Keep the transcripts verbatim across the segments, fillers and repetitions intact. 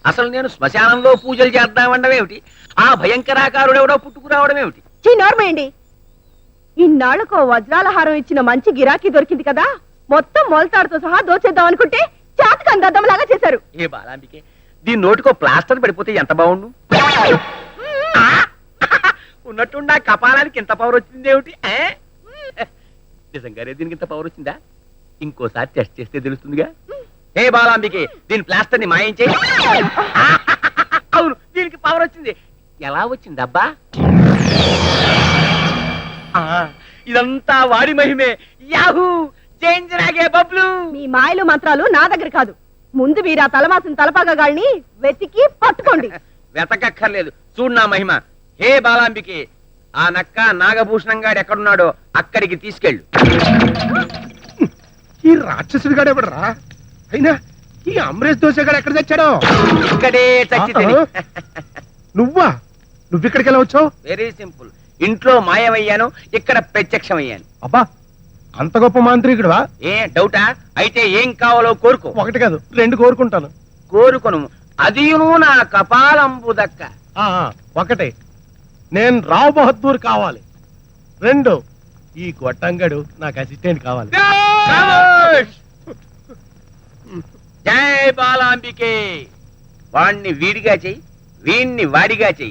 అసలు నేను శ్మశానంలో పూజలు చేద్దామండమేమిటి? ఆ భయంకరాకారుడెవడో పుట్టుకురావడమేమిటి? నోర్మేయండి. ఇన్నాళ్లకు వజ్రాల హారం ఇచ్చిన మంచి గిరాకీ దొరికింది కదా, మొత్తం మొలతాడుతో సహా దోచేద్దాం అనుకుంటే చాతకం దద్దమ్మలాగా చేశారు. ఏ బాలాంబికే, దీని నోటికో ప్లాస్టర్ పడిపోతే ఎంత బాగుండు. ఉన్నట్టుండి ఆ కపాలానికి ఇంత పవర్ వచ్చిందేమిటి? నిజంగానే దీనికి ఇంత పవర్ వచ్చిందా? ఇంకోసారి టెస్ట్ చేస్తే తెలుస్తుందిగా. ఏ బాలాంబికే, దీని ప్లాస్టర్ ని మాయం చేయి. అవును, దీనికి పవర్ వచ్చింది. ఎలా వచ్చింది అబ్బా? ఇదంతా వాడి మహిమే. యాహూ, చేంజరాగే బబ్లు. మీ మాయలు మంత్రాలు నా దగ్గర కాదు. ముందు వీరా తలమాసిన తలపాగాళ్ళని వెతికి పట్టుకోండి. వెతకక్కర్లేదు, చూడు నా మహిమ. హే బాలాంబికే, ఆ నక్క నాగభూషణం గాడు ఎక్కడున్నాడో అక్కడికి తీసుకెళ్ళు. ఈ రాక్షసుడి గాడు ఎవడరా? అయినా ఈ అమరేష్ దోశ గాడు ఎక్కడ తెచ్చాడో? ఇక్కడే చచ్చి తిని. నువ్వా? నువ్విక్కడికి ఎలా వచ్చావు? Very simple. ఇంట్లో మాయమయ్యాను, ఇక్కడ ప్రత్యక్షమయ్యాను. అబ్బా, అంత గొప్ప మాంత్రికుడువా? ఏ డౌటా? అయితే ఏం కావాలో కోరుకో. ఒకటి కాదు, రెండు కోరుకుంటాను. కోరుకొను, అదియును నా కపాలంబు దక్క. ఆ, ఒకటి, నేను రావు బహదూర్ కావాలి. రెండు, ఈ గొట్టంగడు నాకు అసిస్టెంట్ కావాలి. జై బాలాంబికే. వాణ్ణి వీడిగా చెయ్యి, వీణ్ణి వాడిగా చెయ్యి.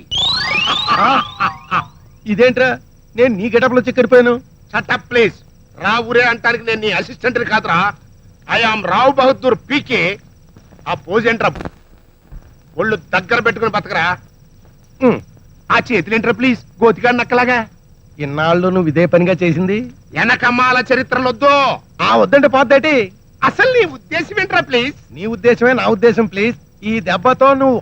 ఇదేంట్రా, నేను నీ గెటప్లో చెక్కడిపోయాను. Shut up please. రావురే అంటానికి నేను నీ అసిస్టెంట్ కాదురా. I am Rao Bahadur PK. ఆ పోజ్ ఏంట్రా? ఒళ్ళు దగ్గర పెట్టుకుని బతకరా. ఆ చేతులేంట్రా ప్లీజ్, గోతిగా నక్కలాగా. ఇన్నాళ్ళు నువ్వు ఇదే పనిగా చేసింది. వెనకమ్మాల చరిత్రలొద్దు. ఆ వద్దంటే పోద్దేటి? అసలు నీ ఉద్దేశం ఏంట్రా ప్లీజ్? నీ ఉద్దేశమే నా ఉద్దేశం ప్లీజ్. ఈ దెబ్బతో నువ్వు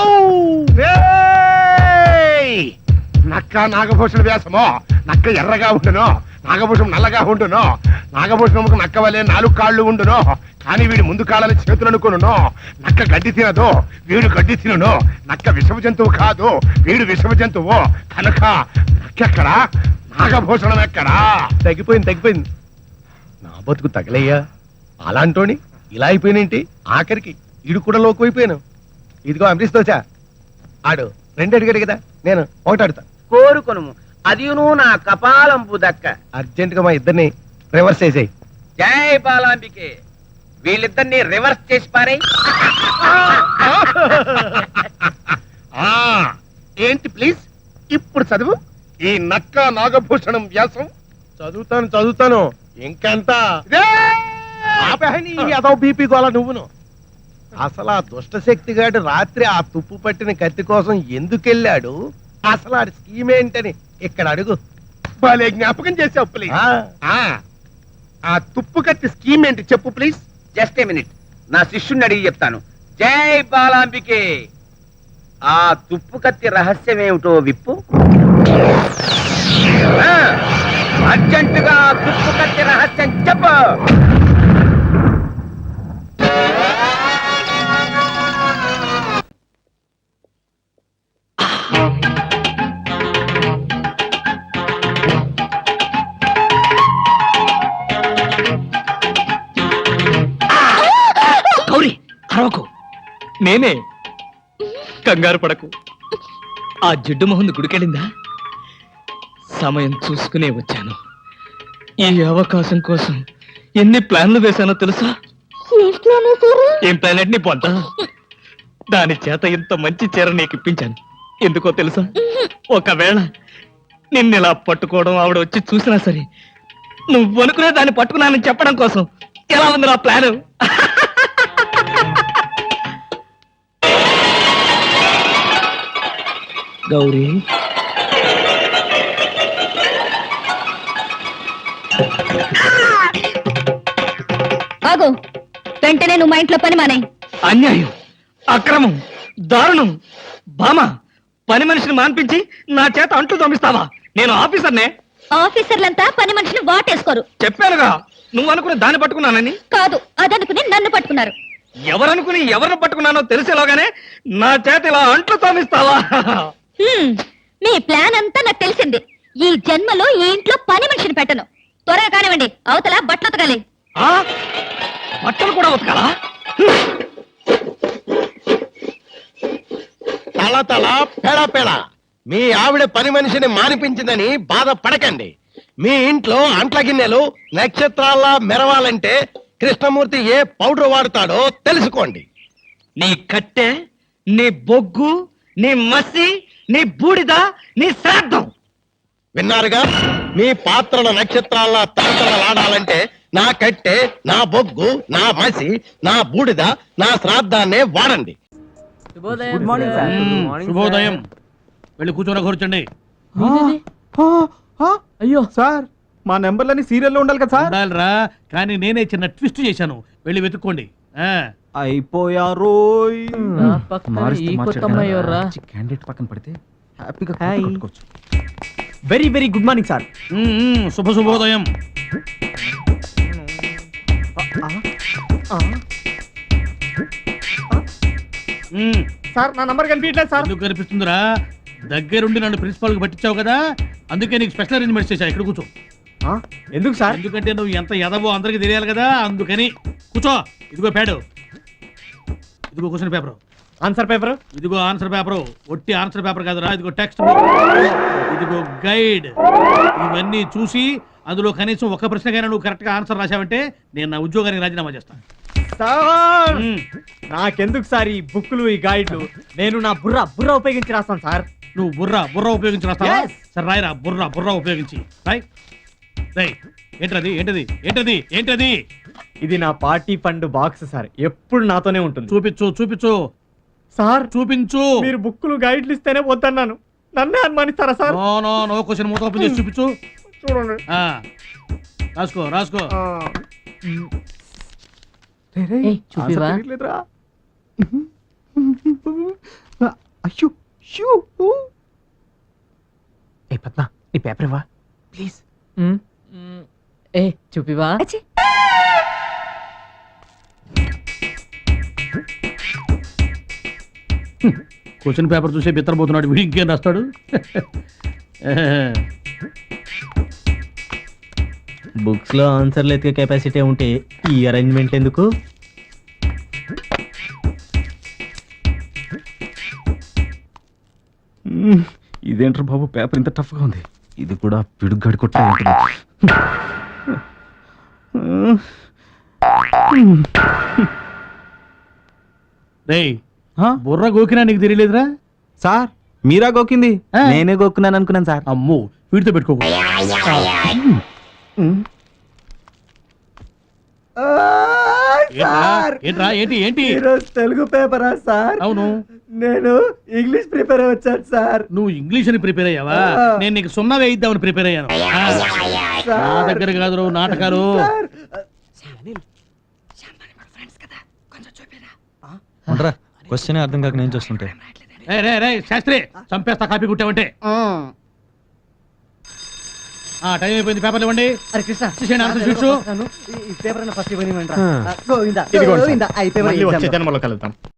నక్క నాగభూషణ వ్యాసమో. నక్క ఎర్రగా ఉండును, నాగభూషణం నల్లగా ఉండును. నాగభూషణముకు నక్క వలె నాలుగు కాళ్ళు ఉండును, కానీ వీడి ముందు కాళ్ళని చేతులు అనుకును. నక్క గడ్డి తినదు, వీడు గడ్డి తినను. నక్క విషమ జంతువు కాదు, వీడు విషమ జంతువు. కనుక నక్కెక్కడా, నాగభూషణం ఎక్కడా? తగ్గిపోయింది తగ్గిపోయింది. నా బతుకు తగలయ్యా. అలాంటోని ఇలా అయిపోయినేంటి? ఆఖరికి ఇడు కూడా లోకు అయిపోయాను. ఇదిగో అమరీష్ దోశ, ఆడు రెండు అడిగాడు కదా, నేను ఒకటి ఆడుతా. కోరుకొను, అదియును నా కపాలంబు దక్క. అర్జెంట్ గా మా ఇద్దరిని రివర్స్ చేసేయి. జై బాలాంబికే. వీళ్ళిద్దరిని రివర్స్ చేసి పారే. ఏంటి ప్లీజ్ ఇప్పుడు చదువు. ఈ నక్క నాగభూషణం వ్యాసం చదువుతాను చదువుతాను ఇంకెంత అదో బీపీ గోళ నువ్వును. అసలు ఆ దుష్ట శక్తి గాడు రాత్రి ఆ తుప్పు పట్టిన కత్తి కోసం ఎందుకెళ్ళాడు, అసలు ఆ స్కీమ్ ఏంటని ఇక్కడ అడుగు. భలే జ్ఞాపకం చేసావు ప్లీజ్. ఆ తుప్పు కత్తి స్కీమ్ ఏంటి చెప్పు ప్లీజ్. జస్ట్ ఏ మినిట్, నా శిష్యుణ్ణి అడిగి చెప్తాను. జై బాలాంబికే. ఆ తుప్పు కత్తి రహస్యమేమిటో విప్పు. అర్జెంటుగా తుప్పు కత్తి రహస్యం చెప్పు. గౌరీ, అరవకు. నేనే, కంగారు పడకు. ఆ జిడ్డు మొహంది గుడికెళ్ళిందా? సమయం చూసుకునే వచ్చాను. ఈ అవకాశం కోసం ఎన్ని ప్లాన్లు వేశానో తెలుసా? ఏం ప్లాన్ అంటే నీ పొంత. దాని చేత ఇంత మంచి చీర నీకు ఇప్పించాను. ఎందుకో తెలుసా? ఒకవేళ నిన్నిలా పట్టుకోవడం ఆవిడ వచ్చి చూసినా సరే, నువ్వు అనుకునే దాన్ని పట్టుకున్నానని చెప్పడం కోసం. ఎలా ఉంది నా ప్లాను? గౌరీ, ఆగు. వెంటనే నువ్వు మా ఇంట్లో పని మానే. అన్యాయం, అక్రమం, దారుణం. బామ, పని మనిషిని మాన్పించి నా చేత అంట్లు తోమిస్తావా? నేను ఆఫీసర్నే. ఆఫీసర్లంతా పని మనిషిని వాటేసుకోరు. చెప్పానుగా, నువ్వు అనుకుని దాన్ని పట్టుకున్నానని. కాదు, అదనుకుని నన్ను పట్టుకున్నారు. ఎవరనుకుని ఎవరిని పట్టుకున్నానో తెలిసేలోగానే నా చేత ఇలా అంట్లు తోమిస్తావా? మీ ప్లాన్ అంతా నాకు తెలిసింది. ఈ జన్మలో ఈ ఇంట్లో పని మనిషిని పెట్టను. త్వరగా కానివ్వండి, అవతల బట్టలు ఉతకాలి. బట్టలు కూడా ఉతకాలా? తల తల పెడ పెడ మీ ఆవిడ పని మనిషిని మానిపించిందని బాధపడకండి. మీ ఇంట్లో అంట్ల గిన్నెలు నక్షత్రాల్లా మెరవాలంటే కృష్ణమూర్తి ఏ పౌడర్ వాడతాడో తెలుసుకోండి. నీ కట్టె, నీ బొగ్గు, నీ మసి, నీ బూడిద, నీ శ్రాద్ధం. విన్నారుగా, మీ పాత్రల నక్షత్రాల్లా తలతలలాడాలంటే నా కట్టె, నా బొగ్గు, నా మసి, నా బూడిద, నా శ్రాద్ధాన్నే వాడండి. Good morning sir. శుభోదయం. వెళ్ళి కూర్చోన కూర్చోండి. అయ్యో సార్, మా నెంబర్లని సీరియల్లో ఉండాలి కదా సార్. ఉండాలిరా, కానీ నేనే చిన్న ట్విస్ట్ చేశాను. వెళ్ళి వెతుక్కోండి. ఆ, అయిపోయారు. క్యాండిడేట్ పక్కన పడితే హ్యాపీగా హాయ్. కొట్టుకోవచ్చు. Very very good morning sir. Um, um, శుభ శుభోదయం. ఉమ్, సార్ నా నంబర్ కనిపించట్లేదు సార్. ఎందుకు కనిపిస్తుందిరా? దగ్గరుండి నన్ను ప్రిన్సిపాల్ కి పట్టించావు కదా, అందుకే నీకు స్పెషల్ అరేంజ్మెంట్స్ చేశా. ఇక్కడ కూర్చో. ఆ, ఎందుకు సార్? ఎందుకంటే నువ్వు ఎంత ఎదవో అందరికి తెలియాలి కదా, అందుకని కూర్చో. ఇదిగో ప్యాడ్, ఇదిగో క్వశ్చన్ పేపర్, ఆన్సర్ పేపర్. ఇదిగో ఆన్సర్ పేపర్. ఒట్టి ఆన్సర్ పేపర్ కాదురా, ఇదిగో టెక్స్ట్ బుక్, ఇదిగో గైడ్. ఇవన్నీ చూసి అందులో కనీసం ఒక ప్రశ్నకైనా నువ్వు కరెక్ట్ గా ఆన్సర్ రాశావంటే నేను నా ఉద్యోగానికి రాజీనామా చేస్తాను. సార్ ఉమ్, నాకెందుకు సార్ ఈ బుక్లు, ఈ గైడ్లు? నేను నా బుర్ర బుర్ర ఉపయోగించి రాస్తాను సార్. నువ్వు బుర్ర బుర్ర ఉపయోగించి రాస్తావా? Yes. సరే రాయరా, బుర్ర బుర్ర ఉపయోగించి రాయ్. రాయ్. ఏంటది ఏంటది ఏంటది ఏంటది? ఇది నా పార్టీ ఫండ్ బాక్స్ సార్, ఎప్పుడు నాతోనే ఉంటుంది. చూపించు చూపించు సార్ చూపించు. మీరు బుక్లు గైడ్లు ఇస్తేనే వద్దన్నాను, నన్నే అనుమానిస్తారా sir? No no no question మూత ఓపెన్ చేసి చూపించు. చూడండి. ఆ, రాసుకో రాసుకో. ఆ. చూపివా? ఆన్సర్ తెలియట్లేదురా. అయ్యో షూ. ఏ పద్మ, నీ పేపర్ ఇవ్వా ప్లీజ్. ఏ చూపివా? క్వశ్చన్ పేపర్ చూసే బిత్తరపోతున్నాడు వీడు, ఇంకేం రాస్తాడు? బుక్స్ లో ఆన్సర్లు ఎత్తికే కెపాసిటీ ఉంటే ఈ అరేంజ్మెంట్ ఎందుకు? ఇదేంట్రా బాబు, పేపర్ ఇంత టఫ్ గా ఉంది. ఇది కూడా పిడుగ్గాడి కొట్టే ఉంటుంది. రేయ్, బుర్ర గోకినా నీకు తెలియలేదురా? సార్ మీరా గోకింది? ఆ. నేనే గోక్కున్నాను అనుకున్నాను సార్. అమ్మో, వీడితో పెట్టుకోకు. ఏంట్రా? ఏంట్రా ఏంటి ఏంటి? ఈరోజు తెలుగు పేపరా సార్? అవును. నేను ఇంగ్లీష్ ప్రిపేర్ వచ్చాను సార్. నువ్వు ఇంగ్లీష్ అని ప్రిపేర్ అయ్యావా? ఆ. నేను నీకు సున్నా వేయిద్దామని ప్రిపేర్ అయ్యాను. ఆ, నా దగ్గర కాదు నాటకాలు. క్వశ్చన్ అర్థం కాక నేను చూస్తుంటే రే రే రే శాస్త్రి, చంపేస్తా కాపీ కుట్టావంటే. ఆ, టైం అయిపోయింది, పేపర్లు ఇవ్వండి. అరే కృష్ణ, ఇచ్చేసేయండి ఆన్సర్ షీట్స్. ఈ పేపర్ ఫస్ట్ ఇవ్వనివ్వండి. గోవిందా, గోవిందా, ఈ పేపర్ వచ్చే జన్మలో కలుద్దాం.